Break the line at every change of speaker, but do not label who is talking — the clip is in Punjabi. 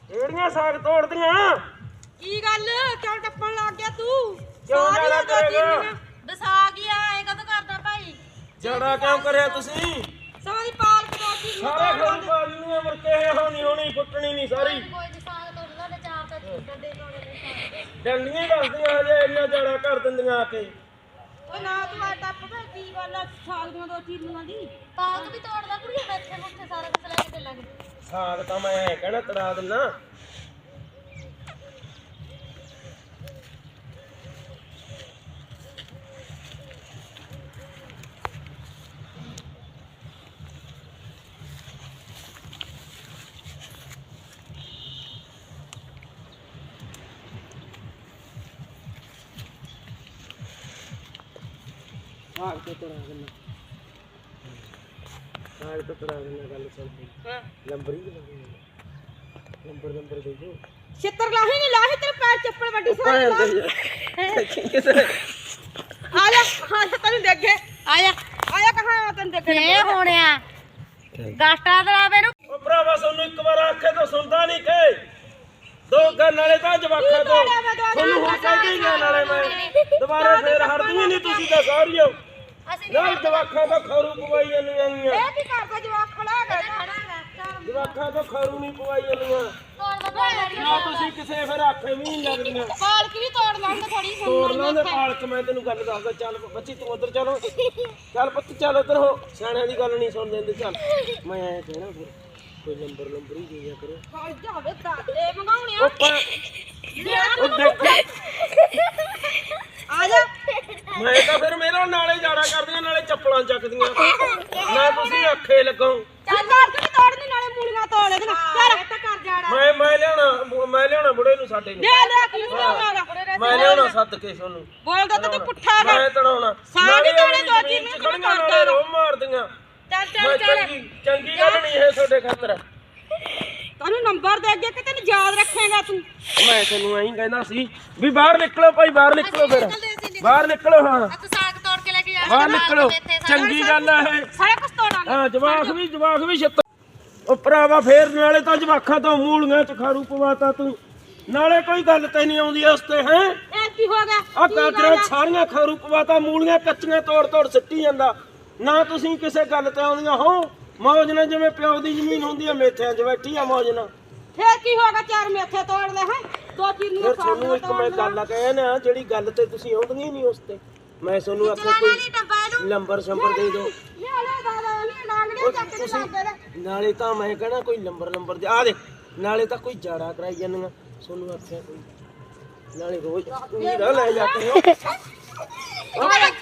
ਇਹੜੀਆਂ ਸਾਗ ਤੋੜਦੀਆਂ
ਕੀ ਗੱਲ ਕਿਉਂ ਟੱਪਣ ਲੱਗ ਗਿਆ ਤੂੰ?
ਕਿਉਂ ਜਾਣਾ ਕਰੇਗਾ?
ਦਸਾ ਗਿਆ ਐ ਕਦੋਂ ਕਰਦਾ ਭਾਈ?
ਜੜਾ ਕਿਉਂ ਕਰਿਆ ਤੁਸੀਂ?
ਸਾਰੀ ਪਾਲਕ ਦੋ ਚੀਜ਼
ਸਾਰਾ ਖੋਲ ਬਾਜ ਨੂੰ ਅਮਰ ਕੇ ਹੋਣੀ ਫੁੱਟਣੀ ਨਹੀਂ ਸਾਰੀ
ਕੋਈ ਸਾਗ ਤੋੜਦਾ ਤੇ ਚਾਰ ਤਾਂ ਛੁੱਟਣ ਦੇ ਕੋਲੇ ਸਾਗ
ਡੰਡੀਆਂ ਦੱਸਦੀਆਂ ਹਜੇ ਇੰਨਾ ਜੜਾ ਕਰ ਦਿੰਦੀਆਂ ਆ ਕੇ।
ਓਏ ਨਾ ਤੂੰ ਆ ਟੱਪ ਵੇ ਕੀ ਗੱਲ ਆ ਸਾਗ ਦੀਆਂ ਦੋ ਚੀਜ਼ਾਂ ਦੀ ਪਾਲਕ ਵੀ ਤੋੜਦਾ ਕੁੜੀ ਬੈਠੇ ਮੁੱਠੇ ਸਾਰਾ ਕੁਝ ਲੈ ਕੇ ਚੱਲਾਂਗੇ।
ਸਾਗ ਤਾਂ ਮੈਂ ਕਹਿਣਾ ਤੜਾ ਦਿੰਨਾ। ਸਾਗ ਤੋਂ ਤੜਾ ਦਿੰਨਾ। ਸਾਗ ਤੋਂ ਤੜਾ ਦਿੰਨਾ ਗੱਲ ਸੁਣ
ਹਾਂ
ਨੰਬਰ ਹੀ ਨੰਬਰ ਦੇ ਦਿਓ।
ਛਿੱਤਰ ਲਾਹੀ ਨਹੀਂ ਲਾਹੀ ਤੇਰੇ ਪੈਰ ਚੱਪਲ ਵੱਡੀ ਸਾਰੀ ਆ ਜਾ ਤੈਨੂੰ ਦੇਖੇ ਆਇਆ ਕਹਾਂ ਤੈਨੂੰ ਦੇਖੇ
ਇਹ ਹੋਣਿਆ ਗਾਸਟਾ ਦਰਾਵੇ ਨੂੰ
ਉਹ ਭਰਾਵਾ ਸਾਨੂੰ ਇੱਕ ਵਾਰ ਆਖੇ ਤਾਂ ਸੁਣਦਾ ਨਹੀਂ ਕਿ ਦੋ ਗੱਲ ਨਾਲੇ ਤਾਂ ਜਵਾਖਾਂ ਤੋਂ ਤੁਹਾਨੂੰ ਹੁਣ ਕਹਿ ਕੇ ਗਿਆ ਨਾਲੇ ਮੈਂ ਦੁਬਾਰਾ ਫੇਰ ਹਟਦੀਆਂ ਨਹੀਂ ਤੁਸੀਂ ਤਾਂ ਸਾਰੀਆਂ ਨਾਲ ਜਵਾਖਾਂ ਤੋਂ ਖਰੂ ਪਵਾਈ ਜਾਂਦੀਆਂ
ਇਹ ਕੀ ਕਰਦਾ ਜਵਾਕ ਖੜਾ ਹੈਗਾ
ਜਵਾਖਾਂ ਤੋਂ ਖਰੂ ਨਹੀਂ ਪਵਾਈ ਜਾਂਦੀਆਂ ਨਾ ਤੁਸੀਂ ਕਿਸੇ ਫਿਰ ਆਖੇ ਵੀ ਨਹੀਂ ਲੱਗਦੀਆਂ।
ਪਾਲਕ ਵੀ ਤੋੜ ਲਾਂਗੇ ਥੋੜੀ
ਤੋੜ ਲਾਂਦੇ ਪਾਲਕ ਮੈਂ ਤੈਨੂੰ ਗੱਲ ਦੱਸਦਾ ਚੱਲ ਬੱਚੀ ਤੂੰ ਉਧਰ ਚਲੋ ਚੱਲ ਪੁੱਤ ਚੱਲ ਉਧਰ ਹੋ ਸਿਆਣਿਆਂ ਦੀ ਗੱਲ ਨਹੀਂ ਸੁਣ ਦਿੰਦੇ ਚੱਲ ਮੈਂ ਐ ਕਹਿਣਾ ਫਿਰ ਕੋਈ ਨੰਬਰ ਹੀ ਦੇ ਦਿਆ ਕਰੋ।
ਫੜ ਜਾਵੇ ਦਾਦੇ ਮੰਗਾਉਣਿਆ
ਉਹ ਦੇਖ
ਆ ਜਾ
ਮੈਂ ਤਾਂ ਫਿਰ ਮੇਰਾ ਨਾਲੇ ਜਾੜਾ ਕਰਦੀਆਂ ਨਾਲੇ ਚੱਪਲਾਂ ਚੱਕਦੀਆਂ ਨਾ ਤੁਸੀਂ ਆਖੇ ਲੱਗੋ।
ਚੱਲ ਮਾਰ ਕੇ ਤੋੜਨੀ ਨਾਲੇ ਮੂਲੀਆਂ ਤੋੜ ਇਹਦੇ ਨਾਲ ਚੱਲ ਤਾਂ ਕਰ ਜਾੜਾ
ਮੈਂ ਲਿਆਉਣਾ ਬੁੜੇ ਨੂੰ ਸਾਡੇ ਨੂੰ
ਲੈ ਕੀ ਲਿਆਉਣਾਗਾ
ਮੈਂ ਲਿਆਉਣਾ ਸੱਦ ਕੇ ਤੁਹਾਨੂੰ
ਬੋਲਦਾ ਤਾਂ ਤੂੰ ਪੁੱਠਾ ਕਰ
ਮੈਂ ਤੜਾਉਣਾ
ਸਾਡੀ ਤੋੜੇ ਦੋ ਚੀਜ਼ ਨੂੰ
ਖੜੀਆਂ ਨਾਲੇ ਰੋ ਮਾਰਦੀਆਂ।
ਚੱਲ
ਮੈਂ ਚੰਗੀ ਗੱਲ ਨਹੀਂ ਇਹ ਤੁਹਾਡੇ ਖਾਤਰ।
ਤੈਨੂੰ ਨੰਬਰ ਦੇ ਅੱਗੇ ਕਿ ਤੈਨੂੰ ਯਾਦ ਰੱਖੇਗਾ ਤੂੰ
ਮੈਂ ਤੈਨੂੰ ਐਂ ਕਹਿੰਦਾ ਸੀ ਵੀ ਬਾਹਰ ਨਿਕਲੋ ਭਾਈ ਬਾਹਰ ਨਿਕਲੋ ਫਿਰ ਬਾਹਰ ਨਿਕਲੋ ਹਾਂ
ਤੂੰ ਸਾਗ ਤੋੜ ਕੇ ਲੈ ਕੇ ਜਾ
ਬਾਹਰ ਨਿਕਲੋ ਚੰਗੀ ਗੱਲ ਆ ਇਹ।
ਸਾਰਾ ਕੁਝ ਤੋੜਾਂਗੇ
ਹਾਂ ਜਵਾਕ ਵੀ ਛੱਤ ਉਹ ਭਰਾਵਾ ਫੇਰ ਨਾਲੇ ਤਾਂ ਜਵਾਖਾਂ ਤੋਂ ਮੂਲੀਆਂ ਚ ਖਾਰੂ ਪਵਾਤਾ ਤੂੰ ਨਾਲੇ ਕੋਈ ਗੱਲ ਤੇ ਨਹੀਂ ਆਉਂਦੀ ਉਸ ਤੇ ਹੈ।
ਇਹ ਕੀ ਹੋ ਗਿਆ
ਆ ਕਾਤਰਾ ਸਾਰੀਆਂ ਖਾਰੂ ਪਵਾਤਾ ਮੂਲੀਆਂ ਕੱਚੀਆਂ ਤੋੜ ਸਿੱਟੀ ਜਾਂਦਾ ਨਾ ਤੁਸੀਂ ਕਿਸੇ ਗੱਲ ਤੇ ਆਉਂਦੀਆਂ ਹੋ। ਮੌਜ ਨਾਲ ਜਿਵੇਂ ਪਿਓ ਦੀ ਜ਼ਮੀਨ ਹੁੰਦੀ ਆ ਮੇਥਿਆਂ 'ਚ ਬੈਠੀ ਆ ਮੌਜ ਨਾਲ।
ਫੇਰ ਕੀ ਹੋਗਾ ਚਾਰ ਮੇਥੇ ਤੋੜ ਲੈ ਹੈ ਦੋ ਚੀਜ਼ ਨੂੰ
ਫਿਰ ਤੁਹਾਨੂੰ ਇੱਕ ਮੈਂ ਗੱਲ ਕਹਿਆ ਨਾ ਜਿਹੜੀ ਗੱਲ ਤੇ ਤੁਸੀਂ ਆਉਂਦੀਆਂ ਨਹੀਂ ਉਸ ਤੇ ਮੈਂ ਤੁਹਾਨੂੰ ਆਖਿਆ ਕੋਈ ਨੰਬਰ ਦੇ ਦਿਓ।
ਲੈ ਦਾਦਾ ਨਹੀਂ ਲਾਂਗੜੇ ਚੱਕ ਕੇ ਲਾਂਗੇ ਦੇ
ਨਾਲੇ ਤਾਂ ਮੈਂ ਕਹਿਣਾ ਕੋਈ ਨੰਬਰ ਦੇ ਆ ਦੇ ਨਾਲੇ ਤਾਂ ਕੋਈ ਜਾੜਾ ਕਰਾਈ ਜਾਂਦੀਆਂ ਤੁਹਾਨੂੰ ਆਖਿਆ ਕੋਈ ਨਾਲੇ ਰੋਜ਼ ਤੁਸੀਂ ਨਾ ਲੈ ਜਾ ਕੇ